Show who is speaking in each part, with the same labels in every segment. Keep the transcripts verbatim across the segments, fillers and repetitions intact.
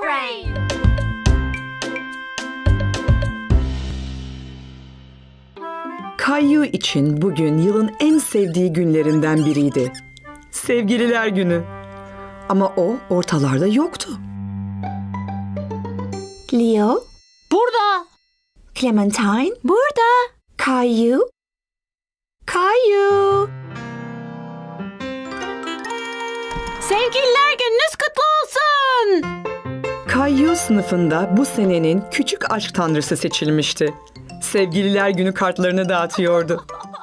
Speaker 1: Brain.
Speaker 2: Kayu için bugün yılın en sevdiği günlerinden biriydi. Sevgililer günü. Ama o ortalarda yoktu.
Speaker 3: Leo,
Speaker 1: Burada.
Speaker 3: Clementine,
Speaker 1: Burada.
Speaker 3: Caillou, Caillou.
Speaker 1: Sevgililer gününüz kutlu olsun.
Speaker 2: Kayu sınıfında bu senenin küçük aşk tanrısı seçilmişti. Sevgililer günü kartlarını dağıtıyordu.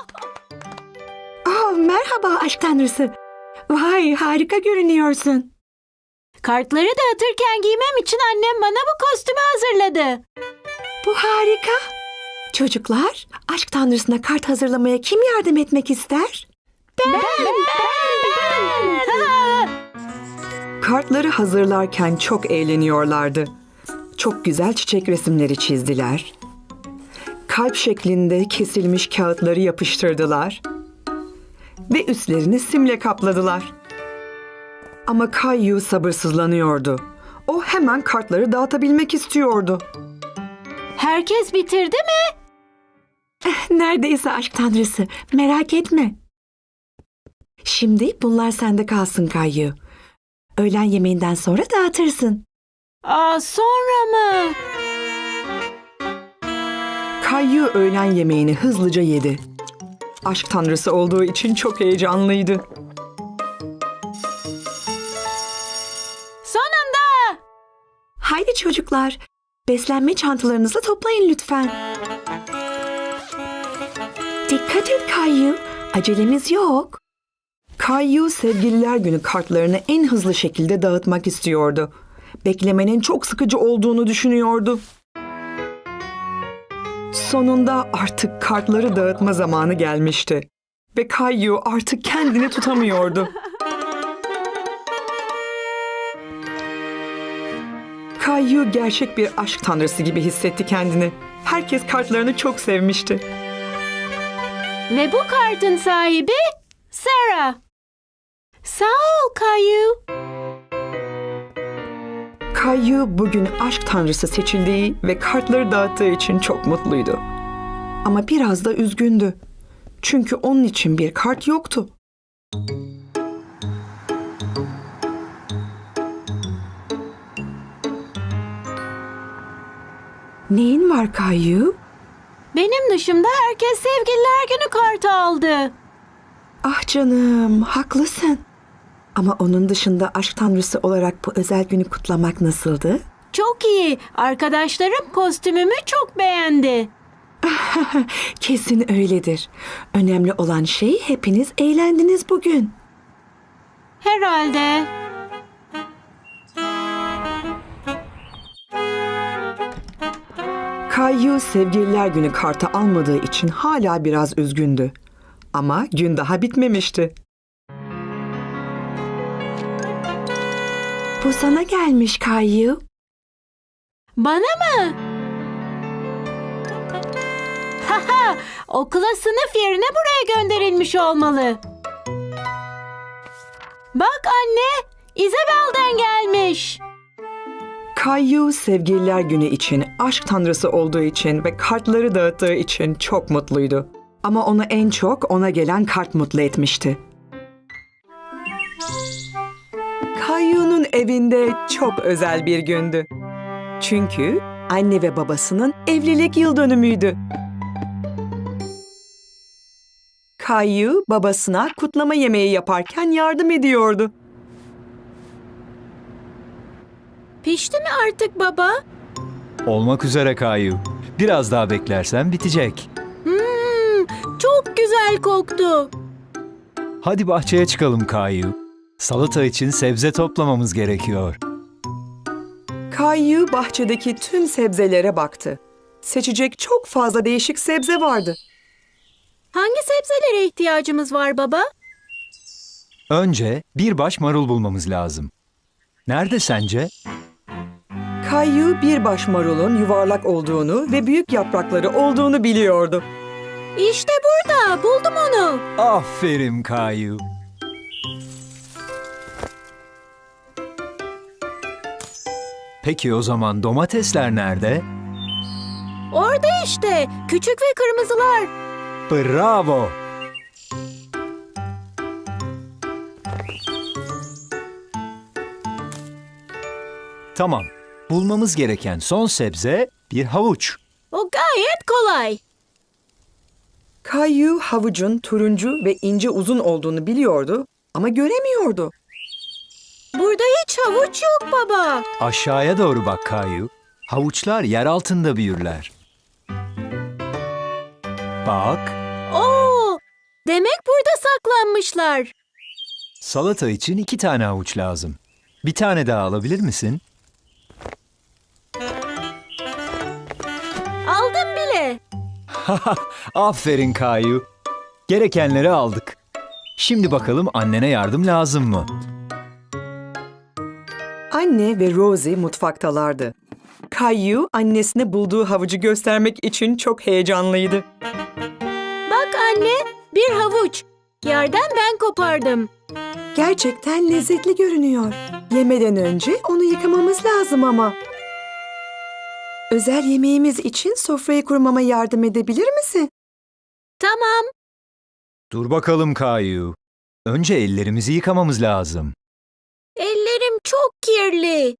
Speaker 3: Oh, merhaba aşk tanrısı. Vay, harika görünüyorsun.
Speaker 1: Kartları dağıtırken giymem için annem bana bu kostümü hazırladı.
Speaker 3: Bu harika. Çocuklar, aşk tanrısına kart hazırlamaya kim yardım etmek ister?
Speaker 1: Ben, ben, ben, ben.
Speaker 2: Kartları hazırlarken çok eğleniyorlardı. Çok güzel çiçek resimleri çizdiler. Kalp şeklinde kesilmiş kağıtları yapıştırdılar. Ve üstlerini simle kapladılar. Ama Caillou sabırsızlanıyordu. O hemen kartları dağıtabilmek istiyordu.
Speaker 1: Herkes bitirdi mi?
Speaker 3: Neredeyse aşk tanrısı. Merak etme. Şimdi bunlar sende kalsın Caillou. Öğlen yemeğinden sonra dağıtırsın.
Speaker 1: Aa, sonra mı?
Speaker 2: Caillou öğlen yemeğini hızlıca yedi. Aşk tanrısı olduğu için çok heyecanlıydı.
Speaker 1: Sonunda.
Speaker 3: Haydi çocuklar, beslenme çantalarınızı toplayın lütfen. Dikkat et Caillou, acelemiz yok.
Speaker 2: Caillou sevgililer günü kartlarını en hızlı şekilde dağıtmak istiyordu. Beklemenin çok sıkıcı olduğunu düşünüyordu. Sonunda artık kartları dağıtma zamanı gelmişti. Ve Caillou artık kendini tutamıyordu. Caillou gerçek bir aşk tanrısı gibi hissetti kendini. Herkes kartlarını çok sevmişti.
Speaker 1: Ve bu kartın sahibi Sarah. Sağ ol Caillou.
Speaker 2: Caillou bugün aşk tanrısı seçildiği ve kartları dağıttığı için çok mutluydu. Ama biraz da üzgündü. Çünkü onun için bir kart yoktu. Neyin var Caillou?
Speaker 1: Benim dışımda herkes sevgililer günü kartı aldı.
Speaker 2: Ah canım, haklısın. Ama onun dışında aşk tanrısı olarak bu özel günü kutlamak nasıldı?
Speaker 1: Çok iyi. Arkadaşlarım kostümümü çok beğendi.
Speaker 2: Kesin öyledir. Önemli olan şey hepiniz eğlendiniz bugün.
Speaker 1: Herhalde.
Speaker 2: Caillou sevgililer günü kartı almadığı için hala biraz üzgündü. Ama gün daha bitmemişti.
Speaker 3: Bu sana gelmiş Caillou.
Speaker 1: Bana mı? Haha, okula sınıf yerine buraya gönderilmiş olmalı. Bak anne, Isabel'den gelmiş.
Speaker 2: Caillou sevgililer günü için, aşk tanrısı olduğu için ve kartları dağıttığı için çok mutluydu. Ama onu en çok ona gelen kart mutlu etmişti. Caillou'nun evinde çok özel bir gündü. Çünkü anne ve babasının evlilik yıl dönümüydü. Caillou babasına kutlama yemeği yaparken yardım ediyordu.
Speaker 1: Pişti mi artık baba?
Speaker 4: Olmak üzere Caillou. Biraz daha beklersen bitecek.
Speaker 1: Hmm, çok güzel koktu.
Speaker 4: Hadi bahçeye çıkalım Caillou. Salata için sebze toplamamız gerekiyor.
Speaker 2: Caillou bahçedeki tüm sebzelere baktı. Seçecek çok fazla değişik sebze vardı.
Speaker 1: Hangi sebzelere ihtiyacımız var baba?
Speaker 4: Önce bir baş marul bulmamız lazım. Nerede sence?
Speaker 2: Caillou bir baş marulun yuvarlak olduğunu ve büyük yaprakları olduğunu biliyordu.
Speaker 1: İşte burada, buldum onu.
Speaker 4: Aferin Caillou. Peki o zaman domatesler nerede?
Speaker 1: Orada işte. Küçük ve kırmızılar.
Speaker 4: Bravo! Tamam. Bulmamız gereken son sebze bir havuç.
Speaker 1: O gayet kolay.
Speaker 2: Kayu havucun turuncu ve ince uzun olduğunu biliyordu ama göremiyordu.
Speaker 1: Burada hiç havuç yok baba.
Speaker 4: Aşağıya doğru bak Kayu. Havuçlar yer altında büyürler. Bak,
Speaker 1: Oo, demek burada saklanmışlar.
Speaker 4: salata için iki tane havuç lazım. Bir tane daha alabilir misin?
Speaker 1: Aldım bile.
Speaker 4: Aferin Kayu. Gerekenleri aldık. Şimdi bakalım annene yardım lazım mı?
Speaker 2: Anne ve Rosie mutfaktalardı. Kayu annesine bulduğu havucu göstermek için çok heyecanlıydı.
Speaker 1: Bak anne, bir havuç. Yerden ben kopardım.
Speaker 3: Gerçekten lezzetli görünüyor. Yemeden önce onu yıkamamız lazım ama. Özel yemeğimiz için sofrayı kurmama yardım edebilir misin?
Speaker 1: Tamam.
Speaker 4: Dur bakalım Kayu. Önce ellerimizi yıkamamız lazım.
Speaker 1: Ellerim çok kirli.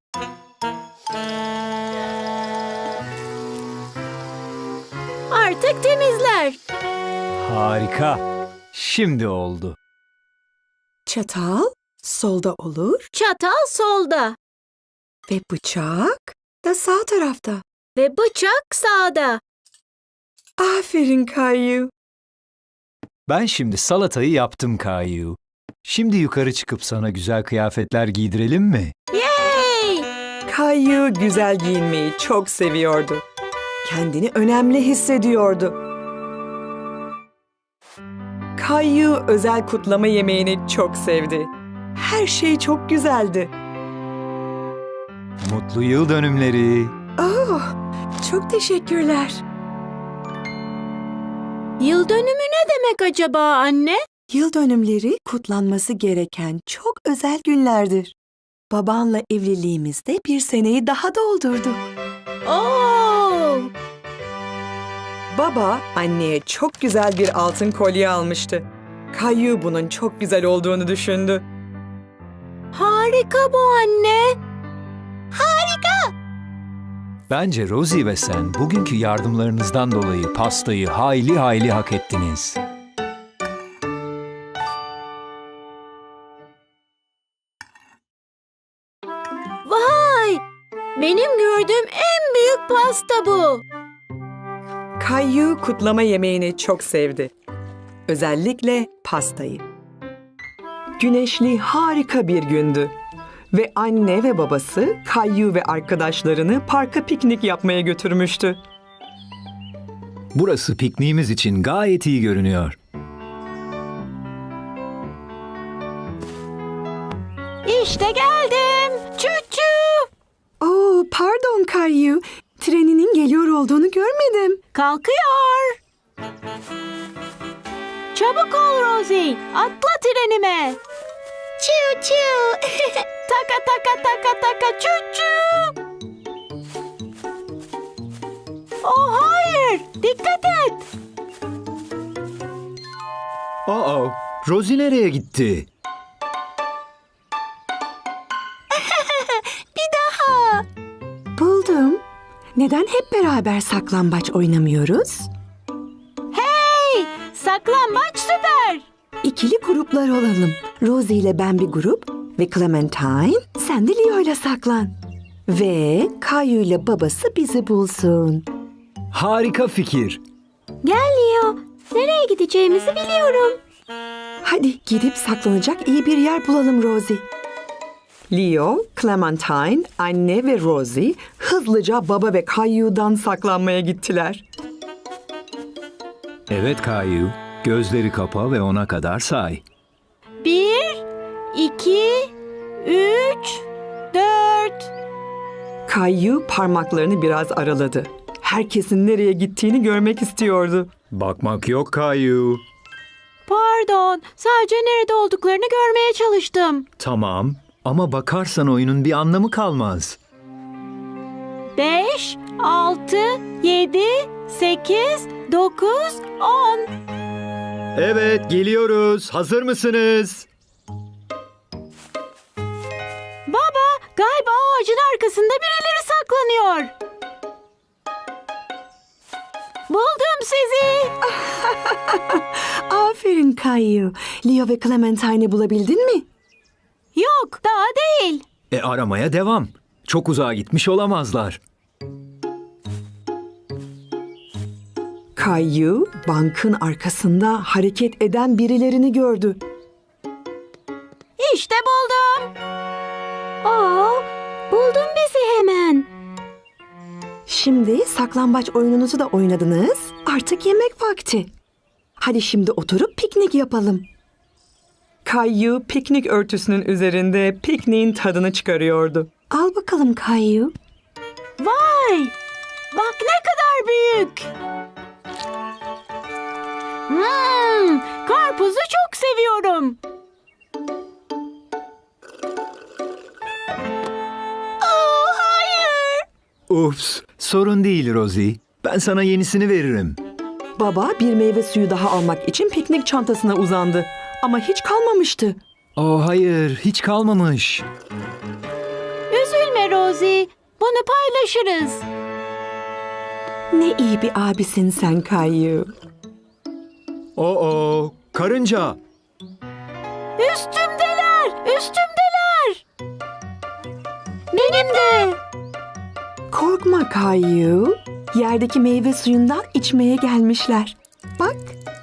Speaker 1: Artık temizler.
Speaker 4: Harika. Şimdi oldu.
Speaker 3: Çatal solda olur
Speaker 1: Çatal solda
Speaker 3: ve bıçak da sağ tarafta.
Speaker 1: ve bıçak sağda.
Speaker 2: Aferin Kayu.
Speaker 4: Ben şimdi salatayı yaptım Kayu. Şimdi yukarı çıkıp sana güzel kıyafetler giydirelim mi?
Speaker 1: Yay!
Speaker 2: Kayu güzel giyinmeyi çok seviyordu. Kendini önemli hissediyordu. Kayu özel kutlama yemeğini çok sevdi. Her şey çok güzeldi.
Speaker 4: Mutlu yıl dönümleri.
Speaker 3: Oh, çok teşekkürler.
Speaker 1: Yıl dönümü ne demek acaba anne?
Speaker 3: Yıl dönümleri kutlanması gereken çok özel günlerdir. Babanla evliliğimizde bir seneyi daha doldurduk.
Speaker 1: Oo!
Speaker 2: Baba anneye çok güzel bir altın kolye almıştı. Kayu bunun çok güzel olduğunu düşündü.
Speaker 1: Harika bu anne.
Speaker 4: Bence Rosie ve sen bugünkü yardımlarınızdan dolayı pastayı hayli hayli hak ettiniz.
Speaker 1: Vay! Benim gördüğüm en büyük pasta bu.
Speaker 2: Kayu kutlama yemeğini çok sevdi. Özellikle pastayı. Güneşli harika bir gündü. Ve anne ve babası Kayu ve arkadaşlarını parka piknik yapmaya götürmüştü.
Speaker 4: Burası pikniğimiz için gayet iyi görünüyor.
Speaker 1: İşte geldim. Çuçu.
Speaker 3: Oo, pardon Kayu. Treninin geliyor olduğunu görmedim.
Speaker 1: Kalkıyor. Çabuk ol Rosie. Atla trenime. Çu çu. Taka taka taka taka çu çu. Oh hayır. Dikkat et.
Speaker 4: Aa, Rosie nereye gitti?
Speaker 3: Buldum. Neden hep beraber saklambaç oynamıyoruz?
Speaker 1: Hey! Saklambaç süper.
Speaker 3: İkili gruplar olalım. Rosie ile ben bir grup ve Clementine sen de Leo ile saklan. Ve Kayu ile babası bizi bulsun.
Speaker 4: Harika fikir.
Speaker 1: Gel Leo. Nereye gideceğimizi biliyorum.
Speaker 3: Hadi gidip saklanacak iyi bir yer bulalım Rosie.
Speaker 2: Leo, Clementine, anne ve Rosie hızlıca baba ve Kayu'dan saklanmaya gittiler.
Speaker 4: Evet Kayu, gözleri kapa ve ona kadar say.
Speaker 1: Bir, iki, üç, dört.
Speaker 2: Kayu parmaklarını biraz araladı. Herkesin nereye gittiğini görmek istiyordu.
Speaker 4: Bakmak yok Kayu.
Speaker 1: Pardon. Sadece nerede olduklarını görmeye çalıştım.
Speaker 4: Tamam ama bakarsan oyunun bir anlamı kalmaz.
Speaker 1: beş, altı, yedi, sekiz, dokuz, on.
Speaker 4: Evet, geliyoruz. Hazır mısınız?
Speaker 1: Baba, galiba ağacın arkasında birileri saklanıyor. Buldum sizi.
Speaker 3: Aferin Kayu. Leo ve Clementine'i bulabildin mi?
Speaker 1: Yok, daha değil.
Speaker 4: E aramaya devam. Çok uzağa gitmiş olamazlar.
Speaker 2: Kayu bankın arkasında hareket eden birilerini gördü.
Speaker 1: İşte buldum. Aa, buldun bizi hemen.
Speaker 3: Şimdi saklambaç oyununuzu da oynadınız. Artık yemek vakti. Hadi şimdi oturup piknik yapalım.
Speaker 2: Kayu piknik örtüsünün üzerinde pikniğin tadını çıkarıyordu.
Speaker 3: Al bakalım Kayu.
Speaker 1: Vay! Bak ne kadar büyük. Hmm, karpuzu çok seviyorum. Oh, hayır.
Speaker 4: Ups, sorun değil Rosie. Ben sana yenisini veririm.
Speaker 2: Baba bir meyve suyu daha almak için piknik çantasına uzandı. Ama hiç kalmamıştı.
Speaker 4: Oh hayır, hiç kalmamış.
Speaker 1: Üzülme Rosie. Bunu paylaşırız.
Speaker 3: Ne iyi bir abisin sen Kayu.
Speaker 4: Oo, karınca.
Speaker 1: Üstümdeler, üstümdeler. Benim de.
Speaker 3: Korkma Kayu. Yerdeki meyve suyundan içmeye gelmişler. Bak.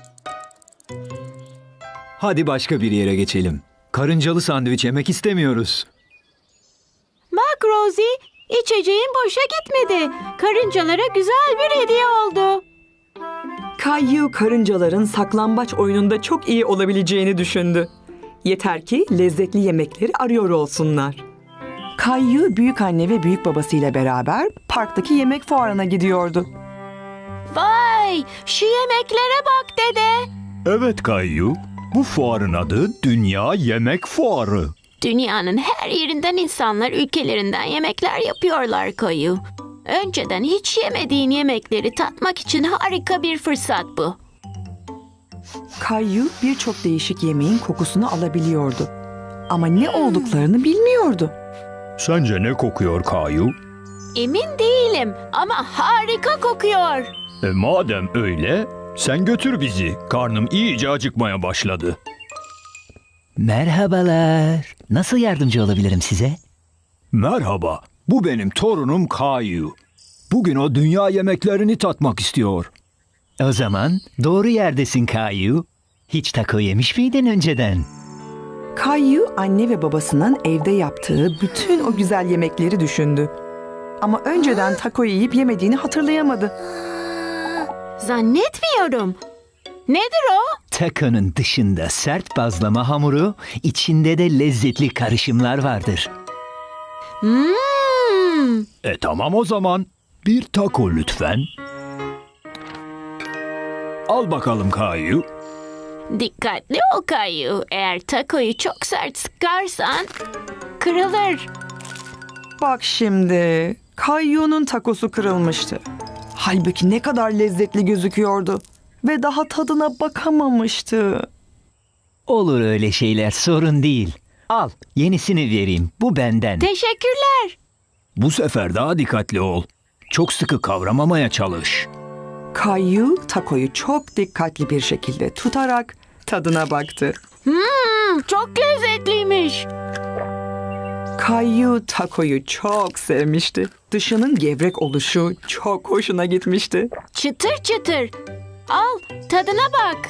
Speaker 4: Hadi başka bir yere geçelim. Karıncalı sandviç yemek istemiyoruz.
Speaker 1: Bak Rosie, içeceğin boşa gitmedi. Karıncalara güzel bir hediye oldu.
Speaker 2: Kayu karıncaların saklambaç oyununda çok iyi olabileceğini düşündü. Yeter ki lezzetli yemekleri arıyor olsunlar. Kayu büyük anne ve büyük babasıyla beraber parktaki yemek fuarına gidiyordu.
Speaker 1: Vay, şu yemeklere bak dede.
Speaker 5: Evet Kayyu, bu fuarın adı Dünya Yemek Fuarı.
Speaker 1: Dünyanın her yerinden insanlar ülkelerinden yemekler yapıyorlar Kayu. Önceden hiç yemediğin yemekleri tatmak için harika bir fırsat bu.
Speaker 2: Kayu birçok değişik yemeğin kokusunu alabiliyordu. Ama ne olduklarını bilmiyordu.
Speaker 5: Sence ne kokuyor Kayyu?
Speaker 1: Emin değilim ama harika kokuyor.
Speaker 5: E madem öyle, sen götür bizi. Karnım iyice acıkmaya başladı.
Speaker 6: Merhabalar. Nasıl yardımcı olabilirim size?
Speaker 5: Merhaba, bu benim torunum Kayyu. Bugün o dünya yemeklerini tatmak istiyor.
Speaker 6: O zaman doğru yerdesin Kayu. Hiç taco yemiş miydin önceden?
Speaker 2: Kayu anne ve babasının evde yaptığı bütün o güzel yemekleri düşündü. Ama önceden taco yiyip yemediğini hatırlayamadı.
Speaker 1: Zannetmiyorum. Nedir o?
Speaker 6: Taco'nun dışında sert bazlama hamuru, içinde de lezzetli karışımlar vardır.
Speaker 1: Hmm.
Speaker 5: E tamam o zaman. Bir taco lütfen. Al bakalım Kayyu.
Speaker 1: Dikkatli ol Kayu. Eğer takoyu çok sert sıkarsan kırılır.
Speaker 2: Bak şimdi, Kayu'nun takosu kırılmıştı. Halbuki ne kadar lezzetli gözüküyordu. Ve daha tadına bakamamıştı.
Speaker 6: Olur öyle şeyler, sorun değil. Al, yenisini vereyim. Bu benden.
Speaker 1: Teşekkürler.
Speaker 5: Bu sefer daha dikkatli ol. Çok sıkı kavramamaya çalış.
Speaker 2: Kayu takoyu çok dikkatli bir şekilde tutarak tadına baktı.
Speaker 1: Hmm, çok lezzetliymiş.
Speaker 2: Kayu takoyu çok sevmişti. Dışının gevrek oluşu çok hoşuna gitmişti.
Speaker 1: Çıtır çıtır. Al, tadına bak.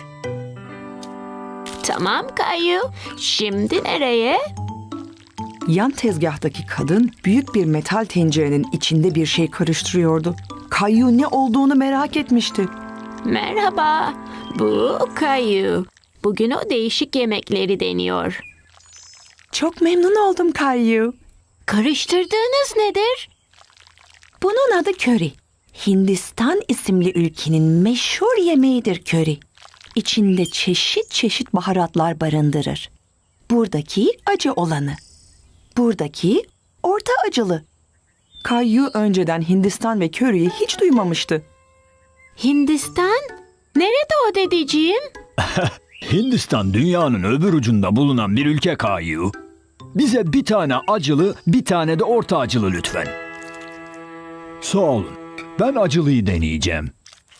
Speaker 1: Tamam Kayu. Şimdi nereye?
Speaker 2: Yan tezgahtaki kadın büyük bir metal tencerenin içinde bir şey karıştırıyordu. Kayu ne olduğunu merak etmişti.
Speaker 1: Merhaba. Bu Kayu. Bugün o değişik yemekleri deniyor.
Speaker 2: Çok memnun oldum Kayu.
Speaker 1: Karıştırdığınız nedir?
Speaker 3: Bunun adı köri. Hindistan isimli ülkenin meşhur yemeğidir köri. İçinde çeşit çeşit baharatlar barındırır. Buradaki acı olanı. Buradaki orta acılı.
Speaker 2: Kayu önceden Hindistan ve köriyi hiç duymamıştı.
Speaker 1: Hindistan? Nerede o dedeciğim?
Speaker 5: Hindistan dünyanın öbür ucunda bulunan bir ülke Kayu. Bize bir tane acılı, bir tane de orta acılı lütfen. Sağ olun. Ben acılıyı deneyeceğim.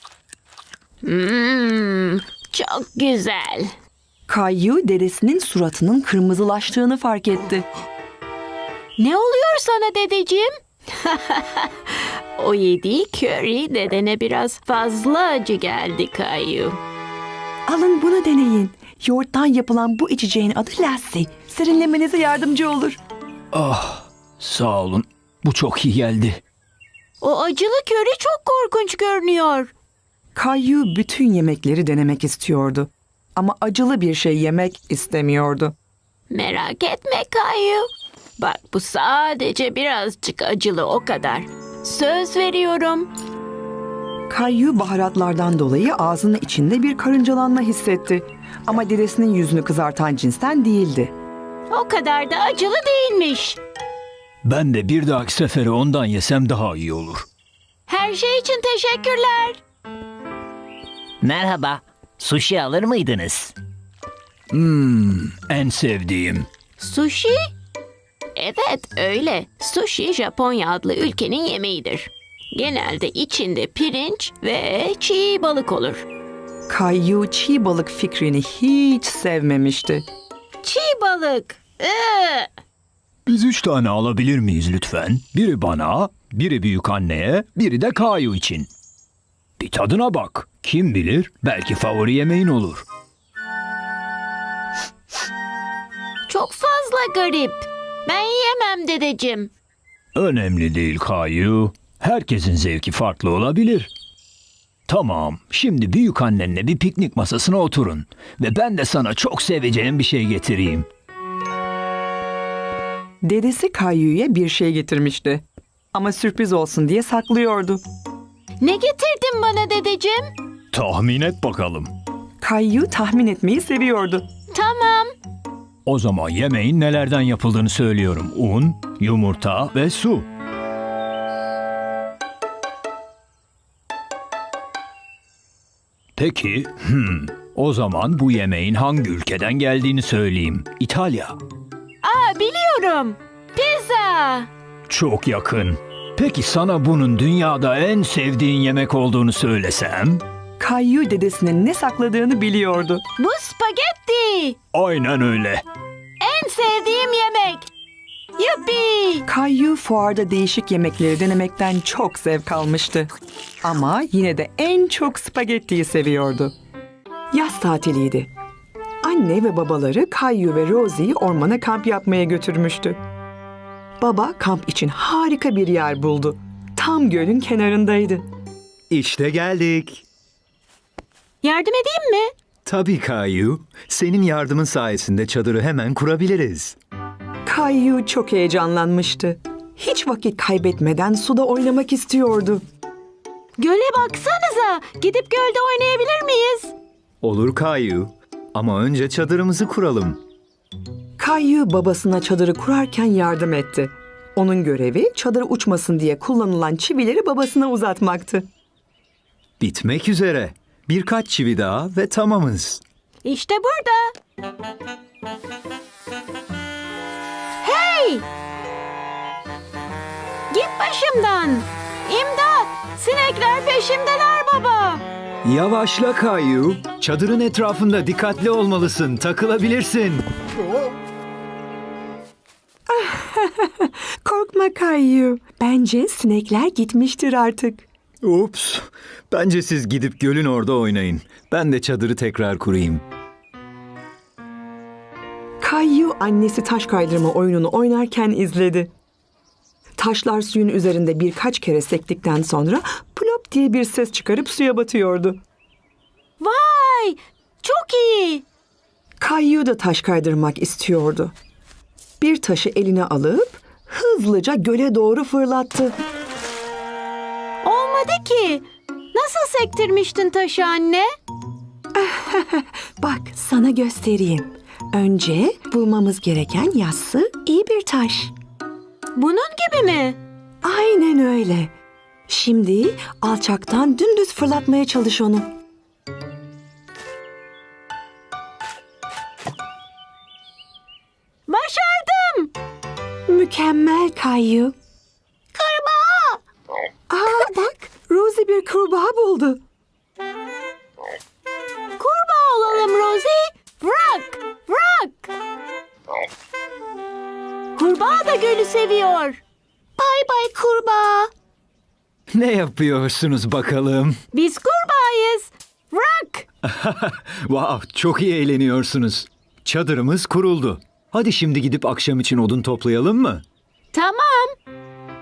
Speaker 1: Hmm, çok güzel.
Speaker 2: Kayu dedesinin suratının kırmızılaştığını fark etti.
Speaker 1: Ne oluyor sana dedeciğim? O yediği köri dedene biraz fazla acı geldi Kayu.
Speaker 2: Alın bunu deneyin. Yoğurttan yapılan bu içeceğin adı lassi. Serinlemenize yardımcı olur.
Speaker 5: Ah, sağ olun. Bu çok iyi geldi.
Speaker 1: O acılı köri çok korkunç görünüyor.
Speaker 2: Kayu bütün yemekleri denemek istiyordu. Ama acılı bir şey yemek istemiyordu.
Speaker 1: Merak etme Kayu. Bak bu sadece birazcık acılı o kadar. Söz veriyorum.
Speaker 2: Kayu baharatlardan dolayı ağzının içinde bir karıncalanma hissetti. Ama dedesinin yüzünü kızartan cinsten değildi.
Speaker 1: O kadar da acılı değilmiş.
Speaker 5: Ben de bir dahaki sefere ondan yesem daha iyi olur.
Speaker 1: Her şey için teşekkürler.
Speaker 6: Merhaba. Sushi alır mıydınız?
Speaker 5: Hmm, en sevdiğim.
Speaker 1: Sushi? Evet öyle. Sushi Japonya adlı ülkenin yemeğidir. Genelde içinde pirinç ve çiğ balık olur.
Speaker 2: Kayu çiğ balık fikrini hiç sevmemişti.
Speaker 1: Çiğ balık. Iı.
Speaker 5: Biz üç tane alabilir miyiz lütfen? Biri bana, biri büyük anneye, biri de Kayu için. Bir tadına bak. Kim bilir belki favori yemeğin olur.
Speaker 1: Çok fazla garip. Ben yiyemem dedeciğim.
Speaker 5: Önemli değil Kayu. Herkesin zevki farklı olabilir. Tamam, şimdi büyük annenle bir piknik masasına oturun. Ve ben de sana çok seveceğin bir şey getireyim.
Speaker 2: Dedesi Kayu'ya bir şey getirmişti. Ama sürpriz olsun diye saklıyordu.
Speaker 1: Ne getirdin bana dedeciğim?
Speaker 5: Tahmin et bakalım.
Speaker 2: Kayu tahmin etmeyi seviyordu.
Speaker 1: Tamam.
Speaker 5: O zaman yemeğin nelerden yapıldığını söylüyorum. Un, yumurta ve su. Peki, hmm, o zaman bu yemeğin hangi ülkeden geldiğini söyleyeyim. İtalya.
Speaker 1: Aa biliyorum. Pizza.
Speaker 5: Çok yakın. Peki sana bunun dünyada en sevdiğin yemek olduğunu söylesem?
Speaker 2: Kayu dedesinin ne sakladığını biliyordu.
Speaker 1: Bu spagetti.
Speaker 5: Aynen öyle.
Speaker 1: En sevdiğim yemek. Yuppi.
Speaker 2: Kayu fuarda değişik yemekleri denemekten çok zevk almıştı. Ama yine de en çok spagettiyi seviyordu. Yaz tatiliydi. Anne ve babaları Kayu ve Rosie'yi ormana kamp yapmaya götürmüştü. Baba kamp için harika bir yer buldu. Tam gölün kenarındaydı.
Speaker 4: İşte geldik.
Speaker 1: Yardım edeyim mi?
Speaker 4: Tabii Kayu. Senin yardımın sayesinde çadırı hemen kurabiliriz.
Speaker 2: Kayu çok heyecanlanmıştı. Hiç vakit kaybetmeden suda oynamak istiyordu.
Speaker 1: Göle baksanıza. Gidip gölde oynayabilir miyiz?
Speaker 4: Olur Kayu. Ama önce çadırımızı kuralım.
Speaker 2: Kayu babasına çadırı kurarken yardım etti. Onun görevi çadır uçmasın diye kullanılan çivileri babasına uzatmaktı.
Speaker 4: Bitmek üzere. Birkaç çivi daha ve tamamız.
Speaker 1: İşte burada. Hey! Git başımdan. İmdat! Sinekler peşimdeler baba.
Speaker 4: Yavaşla Kayu. Çadırın etrafında dikkatli olmalısın. Takılabilirsin.
Speaker 2: Korkma Kayu. Bence sinekler gitmiştir artık.
Speaker 4: Ups. Bence siz gidip gölün orada oynayın. Ben de çadırı tekrar kurayım.
Speaker 2: Kayu annesi taş kaydırma oyununu oynarken izledi. Taşlar suyun üzerinde birkaç kere sektikten sonra plop diye bir ses çıkarıp suya batıyordu.
Speaker 1: Vay! Çok iyi.
Speaker 2: Kayu da taş kaydırmak istiyordu. Bir taşı eline alıp hızlıca göle doğru fırlattı.
Speaker 1: Olmadı ki. Nasıl sektirmiştin taşı anne?
Speaker 3: Bak sana göstereyim. Önce bulmamız gereken yassı iyi bir taş.
Speaker 1: Bunun gibi mi?
Speaker 3: Aynen öyle. Şimdi alçaktan dümdüz fırlatmaya çalış onu.
Speaker 1: Başardım.
Speaker 3: Mükemmel Kayu.
Speaker 1: Kurbağa.
Speaker 3: Aa bak, Rosie bir kurbağa buldu.
Speaker 1: Kurbağa olalım Rosie. Bırak. Bırak. Kurbağa da gölü seviyor. Bay bay kurbağa.
Speaker 4: Ne yapıyorsunuz bakalım?
Speaker 1: Biz kurbağayız. Bırak.
Speaker 4: Wow, çok iyi eğleniyorsunuz. Çadırımız kuruldu. Hadi şimdi gidip akşam için odun toplayalım mı?
Speaker 1: Tamam.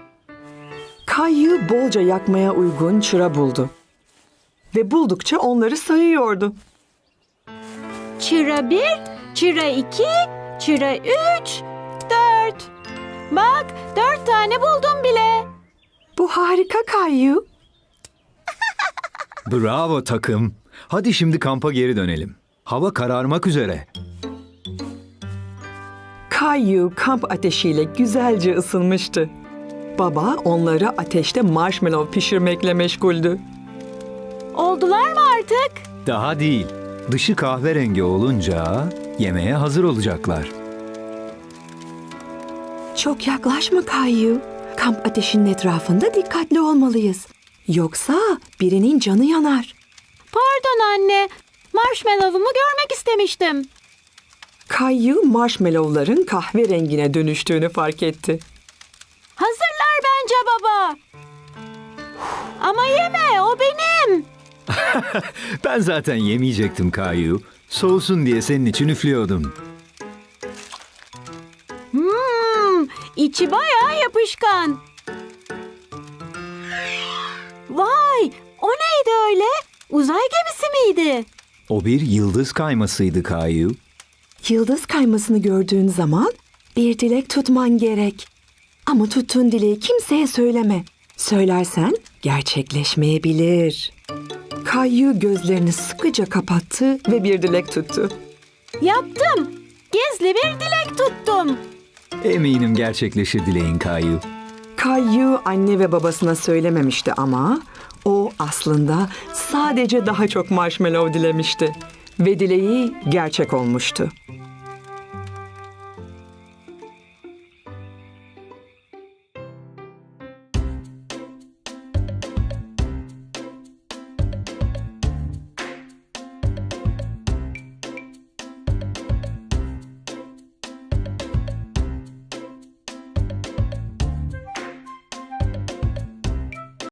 Speaker 2: Kayu bolca yakmaya uygun çıra buldu. Ve buldukça onları sayıyordu.
Speaker 1: Çıra bir, çıra iki, çıra üç, dört. Bak dört tane buldum bile.
Speaker 3: Bu harika Kayu.
Speaker 4: Bravo takım. Hadi şimdi kampa geri dönelim. Hava kararmak üzere.
Speaker 2: Kayu kamp ateşiyle güzelce ısınmıştı. Baba onları ateşte marshmallow pişirmekle meşguldü.
Speaker 1: Oldular mı artık?
Speaker 4: Daha değil. Dışı kahverengi olunca yemeğe hazır olacaklar.
Speaker 3: Çok yaklaşma Kayu. Kamp ateşinin etrafında dikkatli olmalıyız. Yoksa birinin canı yanar.
Speaker 1: Pardon anne. Marshmallow'umu görmek istemiştim.
Speaker 2: Kayu marshmallowların kahverengine dönüştüğünü fark etti.
Speaker 1: Hazırlar bence baba. Ama yeme, o benim.
Speaker 4: Ben zaten yemeyecektim Kayu. Soğusun diye senin için üflüyordum.
Speaker 1: Hmm, içi bayağı yapışkan. Vay, o neydi öyle? Uzay gemisi miydi?
Speaker 4: O bir yıldız kaymasıydı Kayu.
Speaker 3: Yıldız kaymasını gördüğün zaman bir dilek tutman gerek. Ama tuttuğun dileği kimseye söyleme. Söylersen gerçekleşmeyebilir.
Speaker 2: Kayu gözlerini sıkıca kapattı ve bir dilek tuttu.
Speaker 1: Yaptım. Gizli bir dilek tuttum.
Speaker 4: Eminim gerçekleşir dileğin Kayu.
Speaker 2: Kayu anne ve babasına söylememişti ama o aslında sadece daha çok marshmallow dilemişti ve dileği gerçek olmuştu.